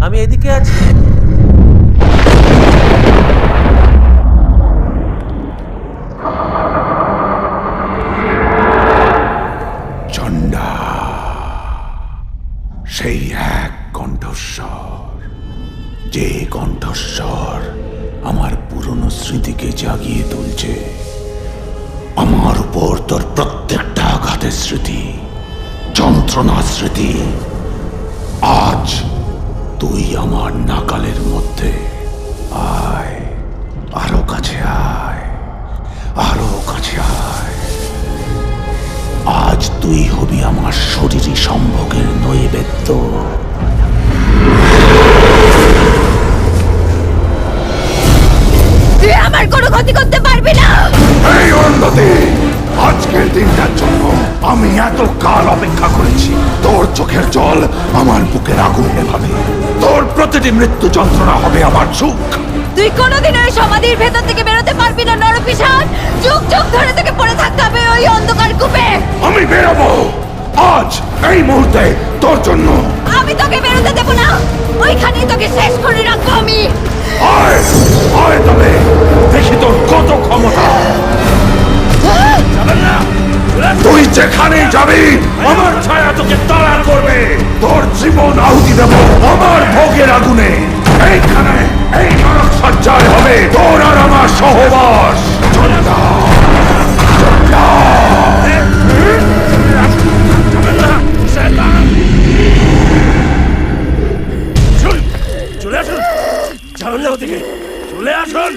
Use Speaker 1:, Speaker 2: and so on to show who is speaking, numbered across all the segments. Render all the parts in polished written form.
Speaker 1: আমি এদিকে আছি।
Speaker 2: চণ্ডা, সেই এক কণ্ঠস্বর, যে কণ্ঠস্বর আমার পুরনো স্মৃতিকে জাগিয়ে তুলছে। আমার উপর তোর প্রত্যেকটা আঘাতের স্মৃতি, যন্ত্রণা স্মৃতি। আজ তুই আমার নাকালের মধ্যে। আয়, আরো কাছে আয়, আরো কাছে আয়। আজ তুই হবি আমার শরীরী সম্ভোগের নৈবেদ্য।
Speaker 3: তুই আমার কোনো ক্ষতি করতে পারবি না।
Speaker 2: এই অন্ধতি, আজকের দিনটার জন্য আমি এত কাল অপেক্ষা করেছি। তোর চোখের জল আমার বুকের আগুন নেভাবে। তোর প্রতিটি মৃত্যু যন্ত্রণা হবে আমার সুখ।
Speaker 3: তুই কোনোদিন ওই সমাধির ভেতর থেকে বেরোতে পারবি না নরপিশাচ। যুগ যুগ ধরে তোকে পড়ে থাকতে হবে ওই অন্ধকার কূপে।
Speaker 2: আমি বেরোবো আজ, এই মুহূর্তে, তোর জন্য।
Speaker 3: আমি তোকে বেরোতে দেবো না, ওইখানেই তোকে শেষ করে রাখবো আমি।
Speaker 2: আয়, আয় তবে দেখি তোর কত ক্ষমতা। তুই যেখানেই যাবি আমার ছায়া তোকে তাড়া করবে। তোর জীবন আহুতি দেব আমার ভোগের আগুনে। এইখানে এই নরক সজ্জায় হবে তোর আর আমার সহবাস। চণ্ডা, চণ্ডা।
Speaker 4: চলে আসুন, যাবেন না ওদিকে, চলে আসুন।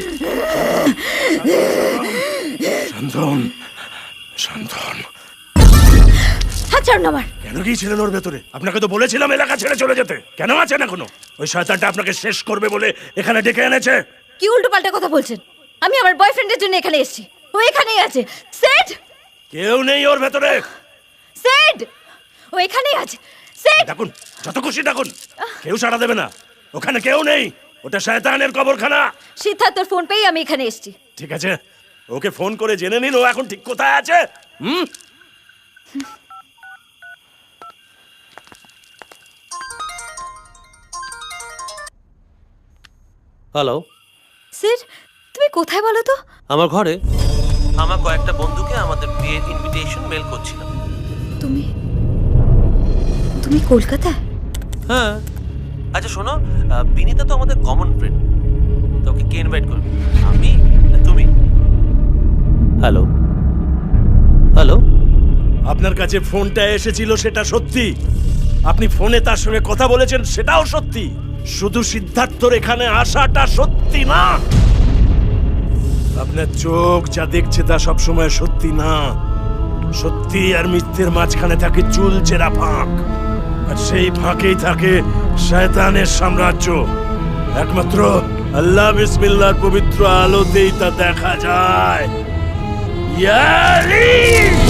Speaker 4: শান্তন, শান্তন।
Speaker 3: হাত ছাড়ুন আমার।
Speaker 4: কেন গিয়েছিলেন ওর ভেতরে? আপনাকে তো বলেছিলাম এলাকা ছেড়ে চলে যেতে। কেন আছেন এখনো? ওই শয়তানটা আপনাকে শেষ করবে বলে এখানে ডেকে এনেছে।
Speaker 3: কি উল্টো পাল্টা কথা বলছেন? আমি আমার বয়ফ্রেন্ডের জন্য এখানে এসেছি, ও এখানেই আছে। সেট,
Speaker 4: কেউ নেই ওর ভেতরে।
Speaker 3: সেট, ও এখানেই আছে। সেট,
Speaker 4: ডাকুন, যত খুশি ডাকুন, কেউ সাড়া দেবে না। ওখানে কেউ নেই, ওটা শয়তানের কবরখানা।
Speaker 3: সিদ্ধার্থ তোর ফোন পেয়ে আমি এখানে এসেছি।
Speaker 4: ঠিক আছে, ওকে ফোন করে জেনে নিন ও এখন ঠিক কোথায় আছে।
Speaker 1: হ্যালো,
Speaker 3: সেট, তুমি কোথায় বলো তো?
Speaker 1: আমার ঘরে। আমার কয়েকটা বন্ধুকে আমাদের বিয়ের ইনভিটেশন মেল করছিলাম।
Speaker 3: তুমি তুমি কলকাতায়?
Speaker 1: হ্যাঁ। আচ্ছা শোনো, বিনীতা তো আমাদের কমন ফ্রেন্ড, তোকে কে ইনভাইট করবে? আমি না তুমি? Hello, hello.
Speaker 4: আপনার কাছে ফোনটা এসেছিল সেটা সত্যি, আপনি ফোনে তার সঙ্গে কথা বলেছেন সেটাও সত্যি। শুধু সিদ্ধার্থর এখানে আসাটা সত্যি না। আপনার চোখ যা দেখছে তা সবসময় সত্যি না। সত্যি আর মিথ্যের মাঝখানে থাকে চুলচেরা ফাঁক, আর সেই ফাঁকেই থাকে শয়তানের সাম্রাজ্য। একমাত্র আল্লাহ বিসমিল্লাহর পবিত্র আলোতেই তা দেখা যায়। ইয়ালি!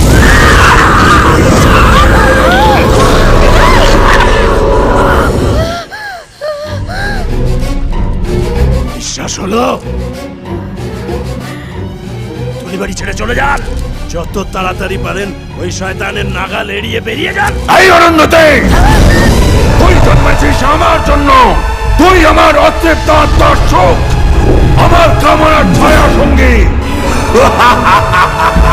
Speaker 4: বিশ্বাস হলো? তুলিবাড়ি ছেড়ে চলে যান, যত তাড়াতাড়ি পারেন ওই শয়তানের নাগাল এড়িয়ে বেরিয়ে যান।
Speaker 2: এই অরণ্যতে তুই জন্মেছিস আমার জন্য। তুই আমার অতৃপ্ত আত্মার সুখ, আমার কামনার ছায়া সঙ্গী।